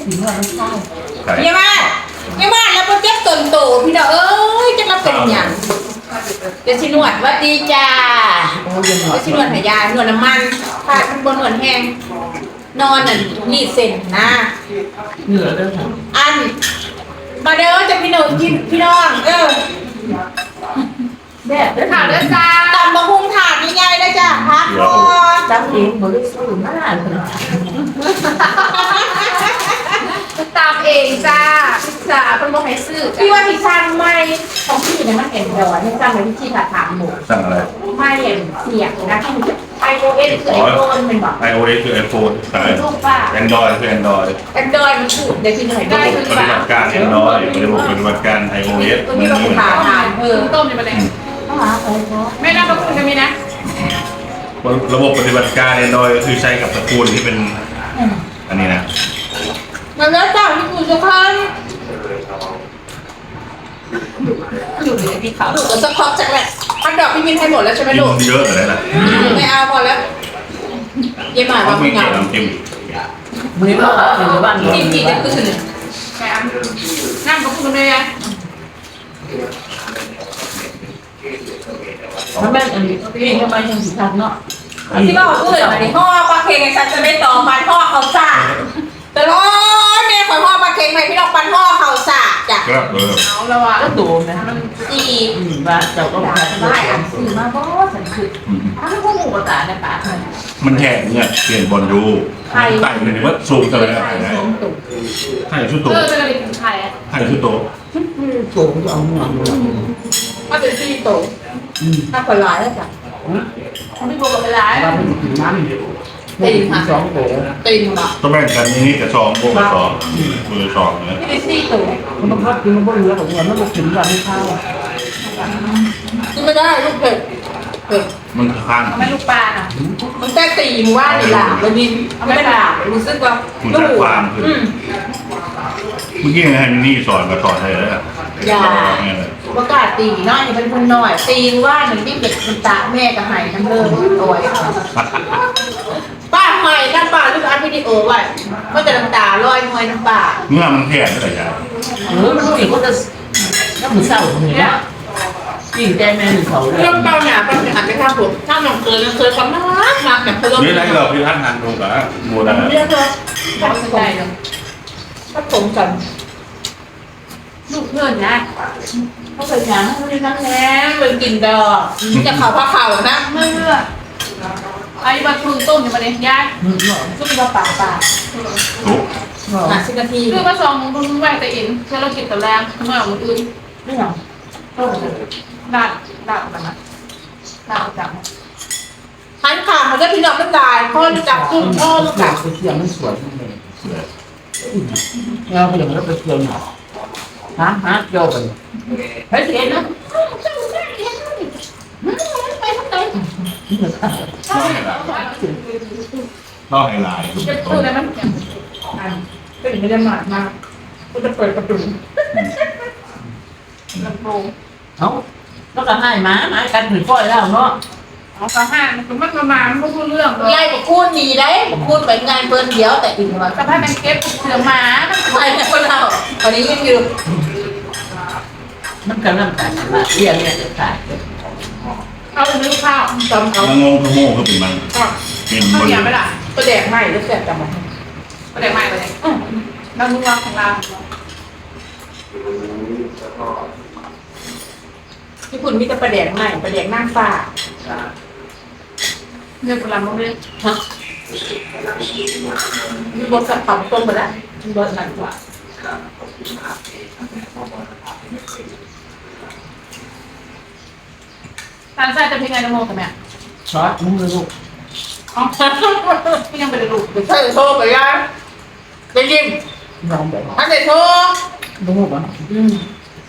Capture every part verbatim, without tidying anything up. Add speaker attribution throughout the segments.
Speaker 1: ถึงว่าไม่ใช่
Speaker 2: เยี่ยมมากเยี่ยมมากแล้วโปรเจกต์ตนโตพี่น้องเอ้ยจะมาเป็นอย่างเดี๋ยวชินวดวัดดีจ้าเดี๋ยวชินวดหายาหนวดน้ำมันผ่าทันบนหนวดแห้งนอนน่ะรีดเส้นนะ
Speaker 1: เหนือเด้อค่ะ
Speaker 2: อันมาเด้อจะพี่น้องพี่น้องเออ
Speaker 1: แดดเด้อค่ะเด้อจ้า
Speaker 2: ตำบะฮุงถาดนี่ไงได้จ้าพักก่อน
Speaker 1: จำเองบ่ได้ซื้อมาเลย
Speaker 3: ตามเองจ้าพิซซ่าเป็นโมให้ซื้อ
Speaker 2: พี่ว่าพี่สั่งไม่ของพี่เนี่ยมันเอ็นดอยให้สั่งเลยพี่ถัดถามหมู
Speaker 4: สั่งอะไร
Speaker 2: ไม่เอ็นเสียงนะที่ไอโอเอสคือไอโฟนเป็นแบบ
Speaker 4: ไอโอเอสคือไอโฟนใช่
Speaker 2: ลูกป้า
Speaker 4: แอนดรอยคือแอนดรอย
Speaker 2: แอนดรอยมันถูกเดี๋ยวพี่หน่อยได้
Speaker 4: คือปฏิบัติการแอนดรอยระบบปฏิบัติการไอโอเอส
Speaker 2: ตัวนี้เราผ่าทานเออ
Speaker 3: ต้มอยู่ประเด็นไม่น่าต้องคุณจะมีนะ
Speaker 4: ระบบปฏิบัติการแอนดรอยก็คือใช้กับตระกูลที่เป็นอันนี้นะ
Speaker 2: มันแล้วจ้าที่คุณจะคัน
Speaker 3: อยู่ในที่เขา
Speaker 2: ดูสปอร์ตจากแหละพันดอกพี่มินให้หมดแล้วใช่ไหมลูก
Speaker 4: เยอะเลยนะ
Speaker 2: ไม่เอาพอแล้วเยี่ยมมาก
Speaker 4: ว่า
Speaker 2: ไม่
Speaker 4: เกี่ยวกับจิ้ม
Speaker 1: มือว่าหรือว่า
Speaker 2: จิ้มจีจะตื่น
Speaker 3: แกนั่งกับคุณเลยอ่ะ
Speaker 1: มันแม่อันนี้พี่ทำไมยังสิทักเนาะ
Speaker 2: ที่บอกเพื่อนอะไรพ่อปลาเค็งไอ้ฉันจะไม่ต่อปันพ่อเขาซ่าแต่ร้อนแม่ขอพ่อปลาเค็งไปพี่น้องปันพ่อเขาซ่าจ้ะ
Speaker 4: ก็เออ
Speaker 3: เอาแล้วอ่ะ
Speaker 1: ก็โดนนะ
Speaker 2: จี
Speaker 1: ว่าเจ้าก็
Speaker 2: ได้ได้อ่ะสื่อมาบ่สันคือ
Speaker 1: ถ้าไม่พูดหมู่ภาษาในป่า
Speaker 4: มันแห้งเนี่ยเปลี่ยนบอลดูไต่เลยว่าสูงเท่าไหร่ไต่ไต่ชุดโต
Speaker 3: เออเป็นอะไรของไทยอ่ะ
Speaker 4: ไต่ชุดโต
Speaker 1: สูงจะเอาเงิน
Speaker 2: มาเป็นที่โตถ้าคนร้ายแล้วจ้ะ
Speaker 3: ไม่บอกกับเวลา
Speaker 1: ว่าไม่ถึงน้ำตีมาสองโถ
Speaker 2: ตีมา
Speaker 4: ต้องแบ่งกันนี่กับสองโบกับสองมือสองเนี่ย
Speaker 2: ไม่ได้สี่โต
Speaker 1: มันต้องพักกินมันก็เหลือของเงินมันก็ถึงวันไม่เข้า
Speaker 2: กินไม่ได้ลูกเผ็ดเผ็ด
Speaker 4: มันค้าง
Speaker 3: ไม่ลูกปลาอ่ะ
Speaker 2: มันแค่ตีมว่าในหลาบแล้วดินไม่หลาบรู้สึกว่า
Speaker 4: ลูกความคือเมื่อกี้ไงนี่สอนกับสอนไทยแล้ว
Speaker 2: อย่าประกาศตีน้อยเป็นคนหน่อยตีว่าหนึ่งที่เด็กมันตาแม่กับไห้ทั้งเลิกโอยป้าหอยน้ำปลาลูกอันวิดีโอไว้ก็จะน้ำตาลอยหอยน้ำปลา
Speaker 4: เมื่อมันแข็งก็ได้ยา
Speaker 1: เออมันสิก็จะน้ำมือเศร้าเหนื่อยจริงใจแม่หนึ่งเขา
Speaker 2: เรื่องเบาหนาปัญหาไม่ท่าผมถ้าหนังเคยเคยความน่ารักมากแบบเพิ่ม
Speaker 4: นี่ไรเราพี่ท่านงานดูกับโมดา
Speaker 2: เรื่องเลยไม่ได้เลยถ้าผมกัน
Speaker 3: ลูกเพื่อนนะ
Speaker 2: เขาเคยยังเขาเรียนนั่งแน่เลยกินดอกจะเข่าพาเข่านะ
Speaker 3: เมื่อไอ้บัตรคุณต้มอยู่มาเนี่ยยาย
Speaker 2: ซุปมาป่าป่า
Speaker 4: ถูก
Speaker 2: หาสิบนาที
Speaker 3: คือมาสองมึงไหวแต่อินเชื่อเรากินแต่แรงเมื่อวันอื่น
Speaker 2: ไม่หรอ
Speaker 3: ดาดดาดกันนะดาดจับ
Speaker 2: หันขามันจะพี่น้องไม่ตายพ่อจับกุ้งพ่อลูกจับ
Speaker 1: ไปเที่ยวมันสวยเลยเราไปอย่างนั้นไปเที่ยวหน่อยฮะฮะโยกัน
Speaker 2: ไปเที่ยวนะไปทำไม
Speaker 4: ล่อให้ลาย
Speaker 3: จะพูดอะไรมั้ง
Speaker 2: ก็ยังไม่ได้มามาก็จะเปิดประตู
Speaker 3: ลำโพง
Speaker 1: เอาแล้วก็ให้มามากันถือก้อยแล้วเนาะ
Speaker 3: เอากระห้างมันมันประมาณมันก็พูดเรื่อง
Speaker 2: ไล่บอกพูดดีได้บอกพูดไปงานเปิดเดียวแต่อีกวัน
Speaker 3: กระเพาะมันเก็บเสือหมา
Speaker 2: ไปแต่คนเราตอนนี้ยังอยู่
Speaker 1: มันกำลังการมาเรียนเนี่ยจะขาย
Speaker 3: เอาเนื้อข้าว
Speaker 2: จำเขา
Speaker 4: งงขโมยก็เป็นมัน
Speaker 3: เป็นข้าวเหนียวไม่ได้
Speaker 2: ก็แดกใหม่แล้วแสบจำมัน
Speaker 3: ก็แดกใหม่เลยน้ำนุ่มของเรา
Speaker 2: ที่คุณมีแต่ประแดกใหม่ประแดกนั่งฟ้า
Speaker 3: เนื้อปลาหมึกเลย
Speaker 2: ฮะมีบทสับปะต้มไปแล้วมีบทหนักกว่า
Speaker 3: ทานไส้จะเป็นไงนะโมกับแม่
Speaker 1: ซอสมึงเลยลูก
Speaker 3: อ๋อพี่ยังไปดูลูก
Speaker 2: ใช่โชว์ไปยังไปยิ้ม
Speaker 1: ลองแบบ
Speaker 2: อันไหนโชว์
Speaker 1: ดูบ้าง
Speaker 2: อืม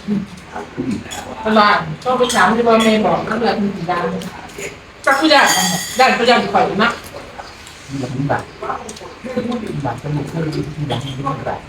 Speaker 2: อะไรก็ไปถามที่พ่อแม่บอกแล้วแบบมีดาวก็คือได้ได้ก็ยังข่อยนะ
Speaker 1: หลังแบบแบบจะมีเครื่องหลังแบบ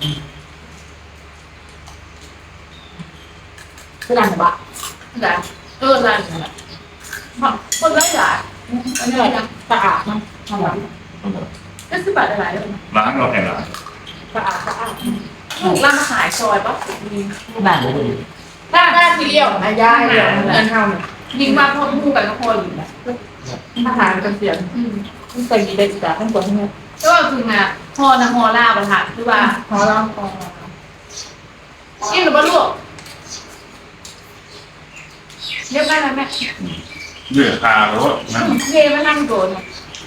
Speaker 2: คือดันบะ
Speaker 3: ได้เออได้คนไร้หลาย
Speaker 2: อันนี้อะไรสะอาดนะทำแบบ
Speaker 3: ก็ซื้อบัตรอะไรเลย
Speaker 4: ร้านเราแข่งร้าน
Speaker 2: สะอาดสะอาด
Speaker 3: ลูกล่าขายซอยปะ
Speaker 1: บ้านเลย
Speaker 2: ถ้าบ้านที่เลี้ยวนะยายเลี้ยวเงินเท่าเนี่ย
Speaker 3: ยิงมาพบคู่กันก็พออยู่นะ
Speaker 2: อาหารกันเสียงมันใส่ดีเด็ดจากข้างบนเนี่ย
Speaker 3: ก็คือไงพอนะพอล่าประทานคือว่า
Speaker 2: พอแล้วพอ
Speaker 3: กินหรือเปล่าลูกเรียบได้ไหมแม่
Speaker 4: เลือดตาแล้วนั่น
Speaker 3: เทมานั่งโดน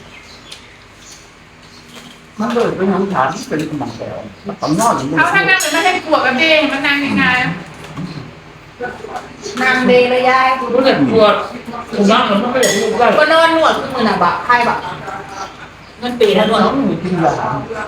Speaker 1: มันเลยเป็นน้ำถามเป็นกำลังใจมันต้องนอน
Speaker 3: เขาถ้านั่งเป็นไม่ให้ปวดกันเด้มันนั่งยังไง
Speaker 2: นางเดเลยยาย
Speaker 1: รู้สึกปวดผมนั่งมันไม่ได้รู้ว่า
Speaker 2: ก็นอนนวดขึ้นมือหนักบะไข้บะเงินปี
Speaker 1: แล้
Speaker 2: แล้ว วน วด
Speaker 1: น้องมีกินยาร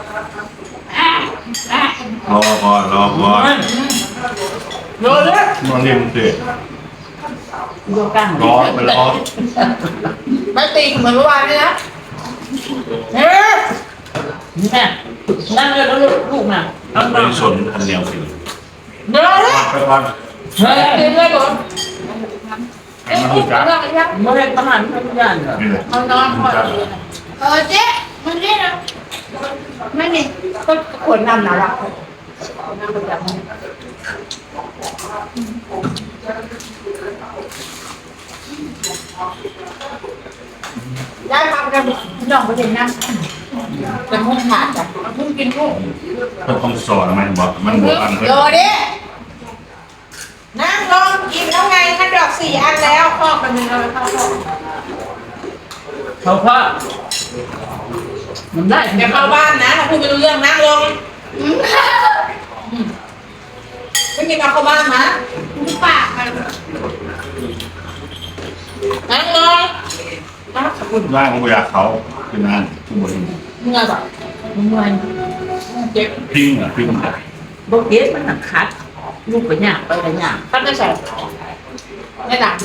Speaker 4: อก่อนรอก่อน
Speaker 2: โดนเลย
Speaker 4: นอนเรียนเสร็จ
Speaker 1: โยกกั้ง
Speaker 4: รอไปรอ
Speaker 2: ไม่ตีเหมือนเมื่อวานเลยนะเฮ้ย
Speaker 1: นี่แม่นั่งเลยแล้วลูกน่ะเอา
Speaker 4: ไป
Speaker 1: มา
Speaker 4: สนทันเดียวสิ
Speaker 2: เดี๋ยวเลย
Speaker 4: ไปก่อน
Speaker 1: เฮ้ย
Speaker 2: ตีเลยก่อน
Speaker 4: ให้มันรู้จัก
Speaker 2: เรื่องอะไรยัง
Speaker 1: ไม่ได้ประหารทุกอย่างเหรอ
Speaker 4: นี่เลย
Speaker 2: เอานอนพอดีเออเจ๊มันนี่นะไม่มีก็ขวดน้ำหนาละน้ำประจำได้ทำกันน้องไปเห็นน้ำเป็นห้องขาดจ้ะพุ่งกินพุ่ง
Speaker 4: มันต้องสอนมันบอกมันบอกอัน
Speaker 2: โดดินั่งลองกินแล้วไงถ้าดอกสี่อันแล้วครอบกันหนึ่งเอาไปเข้าครอบ
Speaker 1: เขาพ่อมันได้
Speaker 2: เดี๋ยวเข้าบ้านนะถ้าพูดไม่รู้เรื่องนั่งลงไม่กินเอาเข้าบ้านนะปากมันนั่งลงนะขอบคุณ
Speaker 4: ร่างของอยากเขาคือนั่นทุกบน
Speaker 2: เมื่อยแบบ
Speaker 1: เมื่อย
Speaker 2: เจ็บ
Speaker 4: พิ้งอ่ะพิ้งอ่ะ
Speaker 1: โบเกสมันหนักคัดลูกไปหยาบไปไปหยาบ
Speaker 2: ท่านได้ใส่ไม่ดัง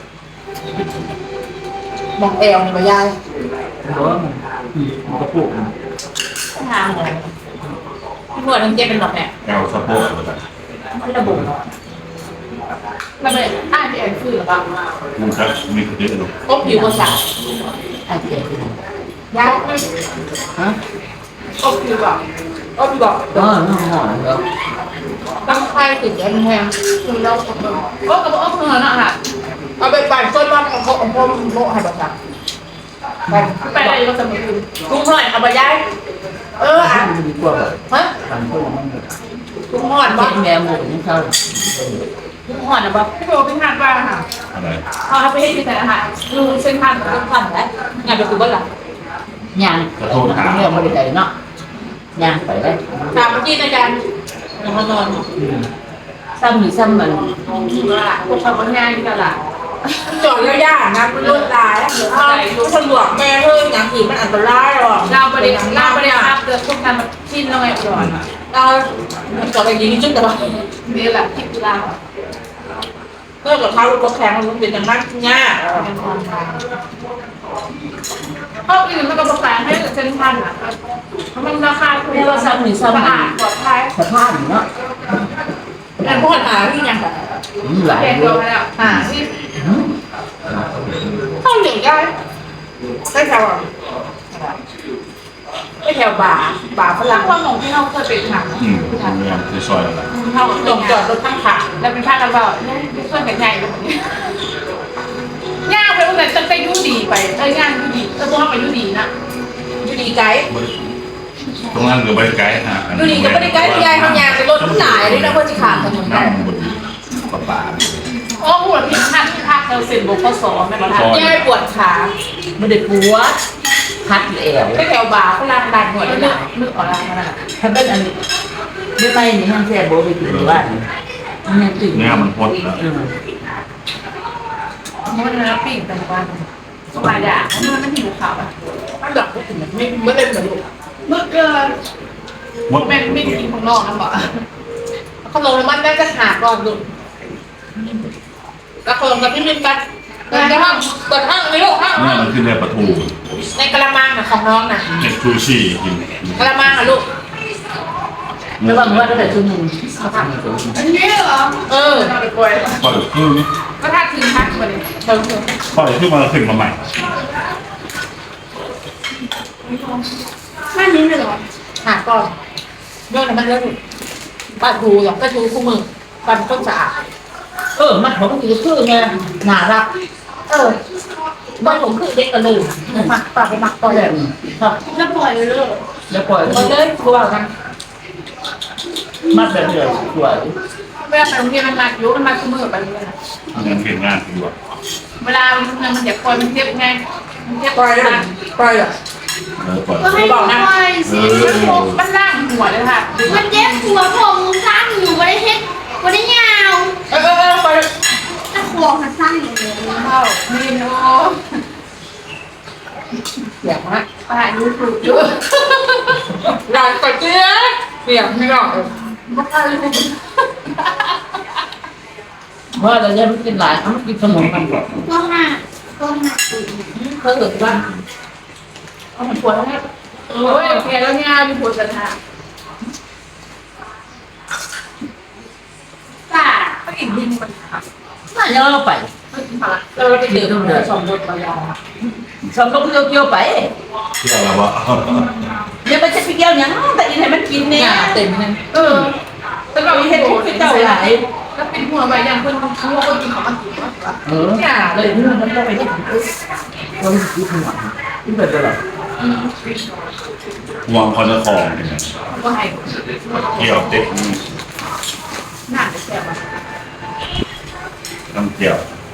Speaker 2: มองเอวนี่มายาย
Speaker 1: เพราะว่ามันมันก็ปลูกมัน
Speaker 2: ทางเลยพี่นวดทั้งเจ็บเป็นหรอกแม่
Speaker 4: แอลสะโพกเลย
Speaker 1: ไม่ระบุ
Speaker 3: เราไปอ่านที่แอนคือหรือเปล่า
Speaker 4: มันครับมีเยอะเลย
Speaker 2: ก็ผิวกระสับ
Speaker 1: ไอ้เจ๊
Speaker 2: ยาย
Speaker 1: ฮะ
Speaker 2: ก็ผิวแบบก็ผิวแบบ
Speaker 1: เออน้องหอนแล้ว
Speaker 2: ตั้งไข่ติดแอนแพงคือเรา
Speaker 3: โอ้กับโอ้เพื่อนอ่ะค่ะ
Speaker 2: เอาไปปั่นต้นบ้านของพ่อของพ่อโมให้บัตรไป
Speaker 3: ไปอะไรก็จะมาดู
Speaker 2: ลุงหน่อยเอาไปย้ายเอออ่ะ
Speaker 1: มันดีกว่าแบบ
Speaker 2: ฮะ
Speaker 1: ทำตัวมัน
Speaker 2: ลุงหอด
Speaker 1: เห็
Speaker 2: บ้าน
Speaker 1: แม่หมูนี่เขา
Speaker 2: ลุงหอดนะบ้า
Speaker 3: พี่โบเป็นทานบ้างค่ะ
Speaker 4: อะไร
Speaker 3: เขาไปให้ที่ไหนนะคะดูเส้นทาง
Speaker 2: ลุงพันแล้วงานไปคือบ้านหลัง
Speaker 1: ยางเรื่องบริการเนาะยางไปได้
Speaker 2: ถามเมื่อกี้อาจารย์นอนนอน
Speaker 1: ซ้ำหรือซ้ำมัน
Speaker 3: พวกเขาเป็นงานที่ตลาด
Speaker 2: จอดแล้วย่านะมันรถลายหรืออะไรดูตำรวจแม่เฮ้ยอย่างอื่นมันอันตรายหรอก
Speaker 3: เราประเด็นเราประเด็นครับเกิดพวกการชิ้นเราไงก่อน
Speaker 2: เราจอดอย่างนี้จุดแต่ว่า
Speaker 3: นี่แหละที่กีฬา
Speaker 2: เพื่อกับเขารถแข่งมันเป็นอย่างนั้นง่าย
Speaker 3: เขาอื่นมันก็ประสานให้เส้นพันอ่ะมันราคาถูก
Speaker 1: เรียกว่าซ้ำหรือซ้ำ
Speaker 3: สะ
Speaker 1: มัน
Speaker 3: อาดปลอดภัย
Speaker 1: สภาพเนาะ
Speaker 2: แต่พวกหาที่ยังแบบ
Speaker 1: หลาย
Speaker 3: เด็ก
Speaker 1: เล
Speaker 3: โดนไปแล้วอ่าที่
Speaker 2: เข้าเหนียวได้ได้แถวได้แถวบ่าบ่าฝ
Speaker 3: หลั
Speaker 2: รั่
Speaker 3: ง
Speaker 2: ง
Speaker 3: ความมองที่เราเคยเป็นหนัง
Speaker 4: อืมเรื่องที่ซอยอะไร
Speaker 3: เขา
Speaker 2: จอดจอดรถข้างทาง
Speaker 3: แล้วเป็นภาคกันเปล่าเนี่ยช่วยกันใหญ่แบบนี้ย่างไปตรงไหนจะไปยูดีไปเอ้ยย่างยูดีเออพวกเขาไปยูดีนะ
Speaker 2: อยู่ดีไกด์
Speaker 4: ตรงนั้นก็ไปไกลฮะ
Speaker 2: อยู่ดีก็ไม่ได้ไกด์ยายทำงานเป็นรถหลายเลยนะเพื่อจะขาดถนน
Speaker 4: นั่
Speaker 2: ได้
Speaker 4: งบนปะป่า
Speaker 3: โอ้หัวที่ท่านที่ภาคเราเซ็นบุกข้อสอบไม่มาทำ
Speaker 2: ยายปวดขา
Speaker 1: ไม่ได้ปวดพัดแอว
Speaker 2: ได้แถวบ่าฝรั่งดันหัว
Speaker 3: นึ
Speaker 2: ได้
Speaker 3: กนึกออกแล้วนะ
Speaker 1: ถ้าเป็นอันนี้ไม่ไปนี่ห้างแซ่โบไปถึงบ้านมันยังตื่น
Speaker 4: เนี่ยมันพดแล้ว
Speaker 3: มันเนื้อปิ้งเป็นวันสบายอ่ะมันมันหิวข่าวอ่ะ
Speaker 2: อันดับก็ถึงไม่ไม่เล่นเหมือนลูก
Speaker 3: เมื่อเกิน
Speaker 4: มด
Speaker 3: เป็นไม่กินของนอกนะบอก
Speaker 2: เขาลงน้ำมันได้จะขาดก่อนลูกกระโดดกับพี่มินกันเปิดห้องเปิดห้องเลยลูกห้อง
Speaker 4: เนี่ยมันคือเนี่ยปลาทู
Speaker 2: ในกระมังของน้องนะ
Speaker 4: เห็ดชูชีกิน
Speaker 2: กระมังอ่ะลูก
Speaker 1: ระวังว่าตั้งแต่ชั่วโมง
Speaker 3: อันนี้เหรอ
Speaker 2: เออ
Speaker 3: เอาไปปล่อย
Speaker 4: ปล่อยขึ้น
Speaker 3: ก็ถ้าถึงพักมาเลย
Speaker 2: เชิญเชิญ
Speaker 4: ปล่อยขึ้นมาขึ้นมาใหม่
Speaker 3: ไม่นี้เลยเหรอ
Speaker 2: หาก่อนโน่นมันเรื่องบ้านดูหรอกก็ดูคู่มือบ้านคนสะอาด
Speaker 1: เออมันผมคือคือไงน่ารัก
Speaker 2: เออบ้านผมคือเด็กกันเลยมักปากไปมักต่อย
Speaker 1: แบบครับ
Speaker 3: แล้วปล่อยเลยเลย
Speaker 1: แล้วปล่อย
Speaker 2: ต่อยเลยกลัวกัน
Speaker 1: มัดแบบเดียวสวย
Speaker 3: เวลาไปโรงเรียนมันมาอยู่มันมาเสมอไปเลยนะ
Speaker 4: ยังเห็นงานอยู่อ่ะ
Speaker 3: เวลามันมันอยากปล่อยมันเจ็บไงมันเจ็บ
Speaker 2: ปล่อยเลยปล่อยเลย
Speaker 4: เออปล่อย
Speaker 3: ก็ให้ปล่อยสิมันมันล่างหัวเลยค่ะ
Speaker 5: มันเจ็บหัวผมสั้นอยู่ไม่ได้เฮ็ดไม่ได้ยาว
Speaker 2: เออเออเออปล่อย
Speaker 5: ตะขวงมันสั้นอยู่เลย
Speaker 3: เข้ามีโน
Speaker 2: เสียงฮะ
Speaker 3: ปลายูทูบอยู่
Speaker 2: หลานกดเจี๊ยบเสียงไม่หรอก
Speaker 3: มันก็เลย
Speaker 1: ว่าเราเนี่ยมันกินหลายมันกินสมองกันหมด
Speaker 5: ก็ห้าก็ห้าปี
Speaker 2: เขาเกิดว่า
Speaker 3: เอามันปวดแล้วเนี่ยโอ้ยแกแล้วเนี่ยมีปวดสันหาป้าก็อีกดินมันหัก
Speaker 1: น่าจะเราไป
Speaker 3: มันหัก
Speaker 2: เราไปเจอตำรวจสองรถมายา
Speaker 1: ชอบต้องเกี่ยวเกี่ยวไป
Speaker 4: เที่ยวแล้ววะ
Speaker 1: อย่าไปจะไปเกี่ยวยังแต่อีให้มันกิน
Speaker 2: เนี่
Speaker 1: เนี่ย ย
Speaker 2: เต็มเลย
Speaker 3: เออแต่เรา
Speaker 1: มี
Speaker 3: เห็
Speaker 1: เห็
Speaker 3: น
Speaker 1: ด
Speaker 3: โอ้
Speaker 1: ที่
Speaker 3: ย
Speaker 1: เจ้าหลาย
Speaker 3: แล้วเป็นหัวใบอย่างคนทั้งคนกินของมันกินมากกว่า
Speaker 1: เออเนี่ยเลยนี่มันต้องไปที่เราไม่คิดหัวนี่เป็นอะไร
Speaker 4: วางคอนเนอร์คองเนี่ย
Speaker 3: ก็ให้
Speaker 4: เกี่ยวเต็ม
Speaker 3: หน้าจะแสบอ่ะ
Speaker 4: น้ำเกี่ยว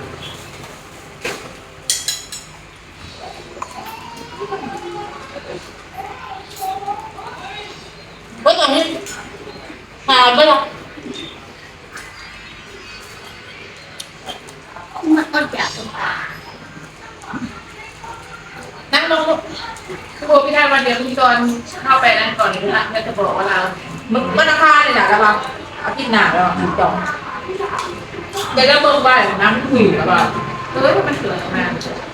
Speaker 2: เมื่อก่อนนี้หาไม่หรอก
Speaker 5: มันก็จะตรงตา
Speaker 2: นั่งลงลูก
Speaker 3: คือโบพี่ได้วันเดียวพี่ตอนเข้าไปนั่นก่อนนี่ละแล้วจะบอกว่าเรา
Speaker 2: มึงมันราคาเนี่ยนะระวังอาทิตย์หน้าแล้วมึงจองเดี๋ยวเราเบิ่งไปน้ำหืดแล้วก็
Speaker 3: เออมันเกิดมา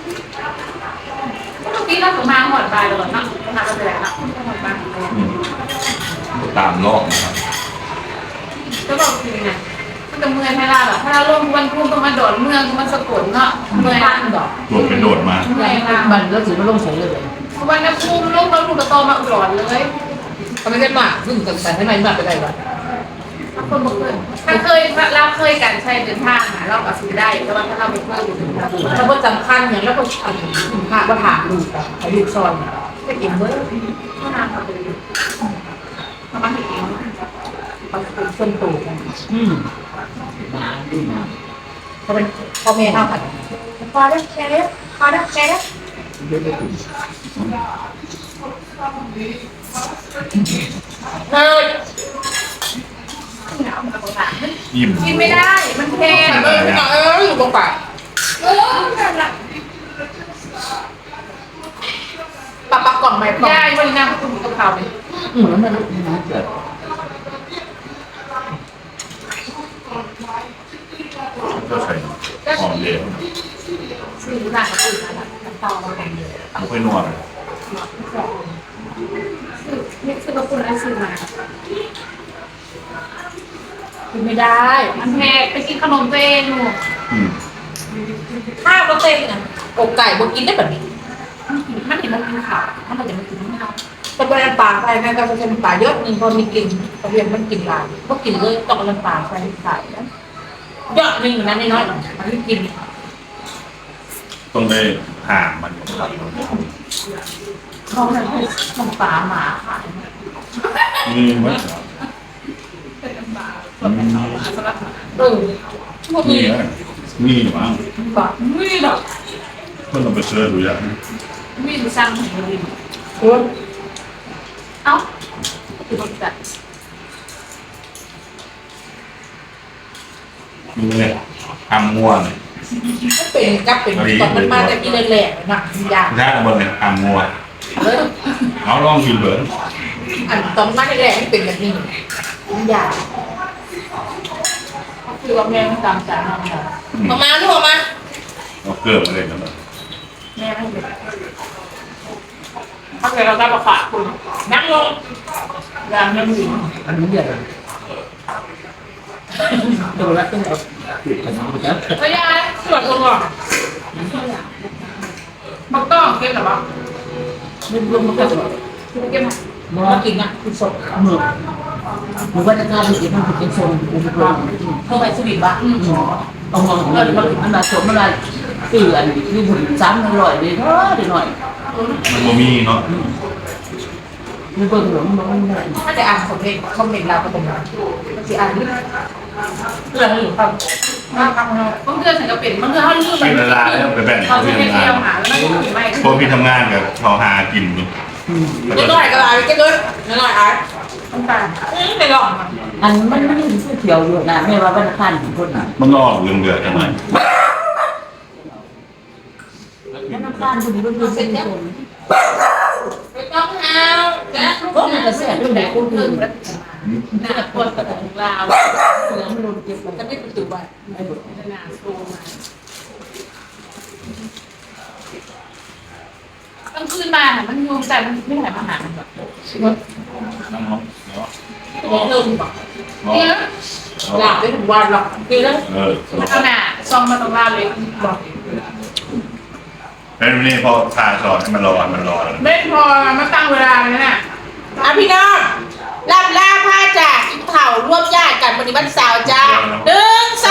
Speaker 3: เมื่อกี้เราถึงมาหอดบายเลยนะทำอะไรนะหอดบาย
Speaker 4: อืมตามรอบนะครับ
Speaker 3: ก็บอกจริงไงมันจะเมื่อยให้เราหรอถ้าเราลงวันพุ่งต้องมาโดดเมืองมันสะกดเนาะเมื่อย
Speaker 2: บ้านดอก
Speaker 4: โดดไปโดดมา
Speaker 3: เมื่อยเรา
Speaker 1: มันแล้วถือมันลงใส่เลย
Speaker 3: วันนั้นพุ่งลงเราถูกกระโตมาอุดรเลย
Speaker 2: เขาไม่ได้มากซึ่งแต่แต่ให้มันมากไปได้หรอ
Speaker 3: ถ้าคนบอกเคยถ้าเคยเราเคยกันใช้เดินทางเราก็ซื้อได้แต่ว่าถ้าเราไม่เคยอยู่เดินทาง
Speaker 2: ถ้าว่าสำคัญอย่างแล้วก็ทำค่าว่าถามลูกอะให้ลูกซอยจะกินเมื่อ
Speaker 3: ก็นานเขาไปทำมาถึงเอง
Speaker 2: เขาเป็นส่วนตัวกัน
Speaker 1: อืมมาดูมา
Speaker 2: เขาเป็นพ่อแม่เท่ากันพอได้แค่นี้พอได้แค่นี้
Speaker 1: เดี๋ยวจะถึง
Speaker 2: เฮ้ย
Speaker 3: หนาวมันกระโดด
Speaker 4: ยิ้ม
Speaker 3: กินไม่ได้ มันแพง
Speaker 2: เออเอออยู่ตรงปาก
Speaker 3: เออนั่นแหละ
Speaker 2: ปากปากกล่องไหมกล่อง
Speaker 3: ยายวันนี้นั่งคุณกับเขาเลย
Speaker 1: อืมมันลุกนะเกิด
Speaker 4: ก็ใส่หอมเหลว
Speaker 3: ซื้อหนังกับอื่นนะน้ำตาลมาแพงเลย
Speaker 4: ไม่ค่อยนวดเลย
Speaker 3: ซื้อนี่ซื้อกับคุณอะไรซื้อมา
Speaker 2: กินไม่ได้
Speaker 3: มันแพงไปกินขนมตัวเองหนู
Speaker 4: อืม
Speaker 2: ข้าวก็เต็มนะอกไก่บกินได้แบบนี้
Speaker 3: มันเห็นมันกินขาวมันอาจจะมันกินไม่เอา
Speaker 2: แต่เป็นน้ำปลาไปแม่ก็จะเป็นปลาเยอะหนึ่งพอมีกลิ่นตะเวียนมันกินปลาก็กินเลยต้องเอาน้ำปลาไปใส่นะเยอะหนึ่งนะน้อยๆมันไม่กิน
Speaker 4: ต้องได้ห่างมันครับ
Speaker 1: เขาเนี่ยให้น้ำปลาหมาขาย
Speaker 4: มีไหม
Speaker 3: เป็นน้ำปลาสำหรับสำหรับ
Speaker 2: เออพวก
Speaker 4: มี
Speaker 2: นี้
Speaker 4: ไหมมีหรือมั้ง
Speaker 2: ปลาไม่หรอก
Speaker 4: เพื่อนเราไปเสิร์ชดูอย่าง
Speaker 3: มีดูสั่งของลิน
Speaker 2: โอ้ย
Speaker 3: เอ้าคือคนแบบ
Speaker 4: มีเลยทำง่วง
Speaker 2: ก็เป็นกับเป็นตอนมันมาแต่กินแหลกๆนะยาก
Speaker 4: ได้บนเลยทำง่วง
Speaker 2: เลย
Speaker 4: เอาลองกินเบิร์น
Speaker 2: อันตอนมาแรกๆมันเป็นแบบนี้มันยาก
Speaker 3: คือว่าแม่ตามใจน้องแบบ
Speaker 2: ออกมาลูกออกมา
Speaker 4: เราเกิดอะไรกันบ้าง
Speaker 3: แม่ไม่เป็นถ้าเกิดเราได้ประกาศคุณนั่งลงยามยังอยู่
Speaker 1: อันนี้เดือดตัวละต้องเอาติดกันนะ
Speaker 3: พยายสวดลงอ่ะมันต้องเก็บหรอปะ
Speaker 1: ไม่รวมมันก็จะ
Speaker 3: คือเก็บไหม
Speaker 1: มอ
Speaker 2: มากินอ่ะคือสด
Speaker 1: หมึกหรือว่าจะการมันมันเป็นโซนอุปกรณ์
Speaker 2: เพิ่มไปสวิตบ้าง
Speaker 1: เอามองเงินมันมันมาสมอะไรตื่นอยู่หุ่นซ้ำอร่อยเลยเนาะเดี๋ยวหน่อย
Speaker 4: มันบ่มีเนาะ
Speaker 1: มีเบิ่งหรือมันมันมัน
Speaker 2: ถ้าจะอ่านคอมเมนต์คอมเมนต์เราก็เป็นแบบจะอ่านนี่
Speaker 1: เรื่องอยู่ครับ
Speaker 3: มาครับบางเดือนถึงกับเป็นบางเดือนเขาลืม
Speaker 4: กินเวลาแล้วไปแบ่ง
Speaker 3: เขา
Speaker 4: เขา
Speaker 3: จะ
Speaker 4: ที่
Speaker 3: ไป
Speaker 4: ทำงา
Speaker 3: เที่ยวน หาแล้วก็ไม่
Speaker 4: พวกพี่ทำงานกับเขาหากินอยู่
Speaker 2: เจ๊น้อยก็ได้เจ๊น้อยน้อยอ่ะ
Speaker 3: ต้องการ
Speaker 2: ไปลอง
Speaker 1: อันมันไม่ได้เที่ยวอยู่นะไม่ว่าวันคันคนน่ะ
Speaker 4: มันก็ออกเรื่องเดือดจังเลย
Speaker 1: วันคันคนนี้มันเป็นคนคน
Speaker 2: ไม่ต้องเอาจ้ะ
Speaker 1: ก็มันจะแสบด้วยคนอื่น
Speaker 3: หน้าปวดกระดูกลาว
Speaker 1: เสือมันโดนเก็บไป
Speaker 2: จะไม่ประตูบ้าน
Speaker 3: หน้าโซมาต้องคืนมาค่ะมันงงแต่มันไม่ไหวมาหาแบบ
Speaker 4: น้องเนาะ
Speaker 2: ตัวเริ่มบอก
Speaker 4: เนาะ
Speaker 3: เนี่ย
Speaker 2: หลับได้ถึงวันหรอกปีแล้ว
Speaker 4: เออ
Speaker 3: มันเอาหน้าซองมาตรงลาวเลยบอก
Speaker 4: แล้วนี่พอทาสอนให้มันรอมันรอ
Speaker 3: ไม่พอมาตั้งเวลาเลยน่ะ
Speaker 2: อ่ะพี่น้องลำลาผ้าจากกินเข่ารวบญาติกันวันนี้วันเสาร์จ้าหนึ่งส